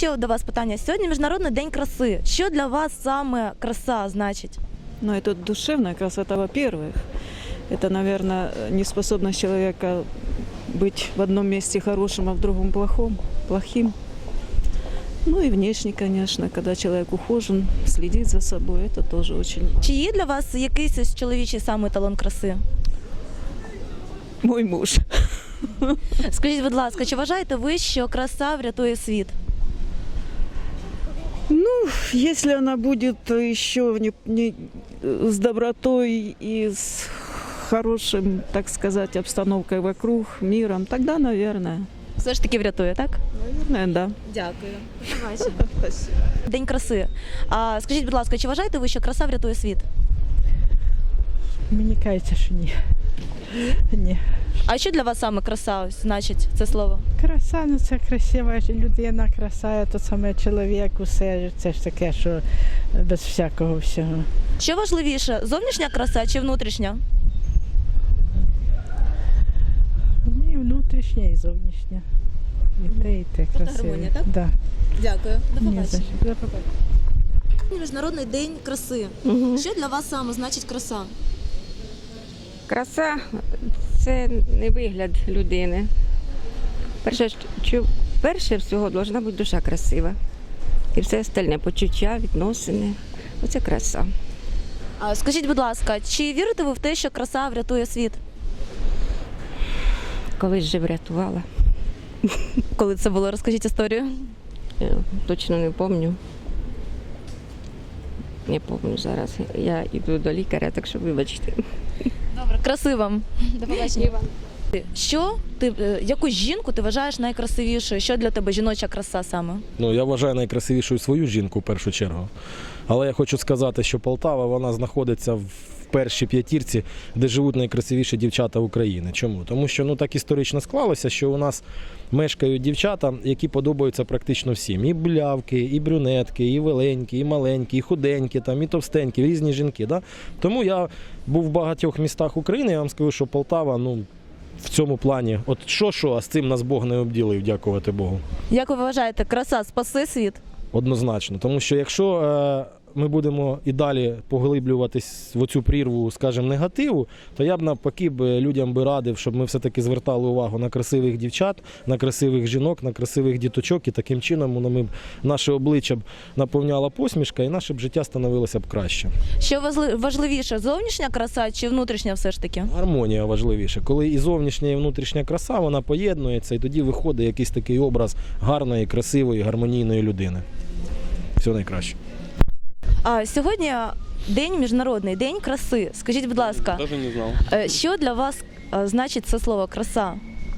ще до вас питання. Сьогодні Міжнародний день краси. Що для вас саме краса значить? Ну, это душевная красота, во-первых. Это, наверное, неспособность человека быть в одном месте хорошим, а в другом плохим. Ну и внешне, конечно, когда человек ухожен, следит за собой, это тоже очень... Чи є для вас якийсь чоловічий саме еталон краси? Мой муж. Скажіть, будь ласка, чи вважаєте ви, що краса врятує світ? Ну, если она будет еще с добротой и с хорошим, так сказать, обстановкой вокруг, миром, тогда, наверное. Все ж таки врятує, так? Наверное, да. Дякую. День краси. Скажіть, будь ласка, чи вважаєте ви, що краса врятує світ? Мені кажеться, що ні. Ні. А що для вас саме краса ось значить це слово? Краса, ну це красива людина, краса, то саме чоловік, усе. Це ж таке, що без всякого всього. Що важливіше, зовнішня краса чи внутрішня? І внутрішня, і зовнішня. І те красиве. гармонія, так? Да. Дякую. До Ні, за що. До побачення. Міжнародний день краси. Що для вас саме значить краса? Краса – це не вигляд людини. Перше всього повинна бути душа красива. І все остальне – почуття, відносини. Оце краса. Скажіть, будь ласка, чи вірите ви в те, що краса врятує світ? Колись же врятувала. Коли це було? Розкажіть історію. Я точно не пам'ятаю. Не пам'ятаю зараз. Я йду до лікаря, так що вибачте. Добре, краси вам. До побачення. Яку жінку ти вважаєш найкрасивішою? Що для тебе жіноча краса саме? Ну, я вважаю найкрасивішою свою жінку в першу чергу. Але я хочу сказати, що Полтава, вона знаходиться в першій п'ятірці, де живуть найкрасивіші дівчата України. Чому? Тому що так історично склалося, що у нас мешкають дівчата, які подобаються практично всім. І блявки, і брюнетки, і веленькі, і маленькі, і худенькі, і товстенькі, різні жінки. Да? Тому я був в багатьох містах України, я вам скажу, що Полтава, в цьому плані, от що, а з цим нас Бог не обділив, дякувати Богу. Як ви вважаєте, краса спасе світ? Однозначно. Тому що якщо ми будемо і далі поглиблюватись в оцю прірву, скажімо, негативу, то я б навпаки людям радив, щоб ми все-таки звертали увагу на красивих дівчат, на красивих жінок, на красивих діточок, і таким чином наше обличчя б наповняла посмішка і наше б життя становилося б краще. Що важливіше, зовнішня краса чи внутрішня все ж таки? Гармонія важливіше. Коли і зовнішня, і внутрішня краса, вона поєднується, і тоді виходить якийсь такий образ гарної, красивої, гармонійної людини. Все найкраще. Сьогодні Міжнародний день краси. Скажіть, будь ласка, Даже не знал. що для вас значить це слово краса?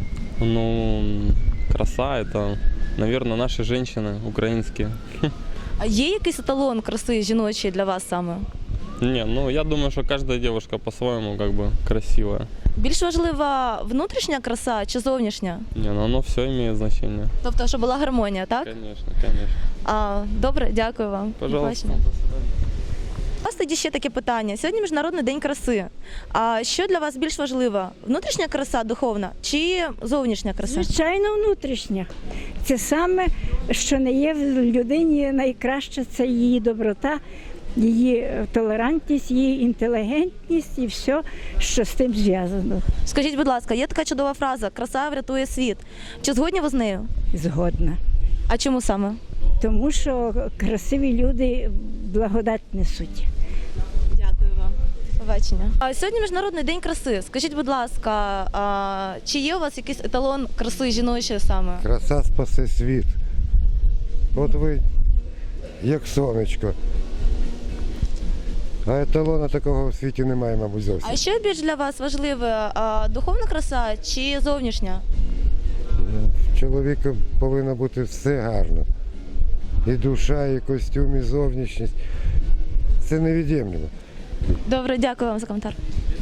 Краса – это, наверное, наши женщины украинские. А є якийсь еталон краси жіночої для вас саме? Не, я думаю, что каждая девушка по-своему красивая. Більш важлива внутрішня краса чи зовнішня? Не, оно все имеет значение. Тобто, щоб була гармонія, так? Конечно, конечно. Добре, дякую вам. Пожалуйста. До побачення. У вас тоді ще таке питання. Сьогодні Міжнародний день краси. А що для вас більш важливо? Внутрішня краса духовна чи зовнішня краса? Звичайно, внутрішня. Це саме, що не є в людині найкраще, це її доброта, її толерантність, її інтелігентність і все, що з тим зв'язано. Скажіть, будь ласка, є така чудова фраза «краса врятує світ». Чи згодні ви з нею? Згодна. А чому саме? Тому що красиві люди благодать несуть. Дякую вам. Побачення. Сьогодні Міжнародний день краси. Скажіть, будь ласка, чи є у вас якийсь еталон краси жіночої саме? Краса спасе світ. От ви як сонечко. А еталона такого в світі немає, мабуть, зовсім. А що більш для вас важливе, духовна краса чи зовнішня? В чоловіка повинно бути все гарно. І душа, і костюм, і зовнішність. Це невід'ємлемо. Добре, дякую вам за коментар.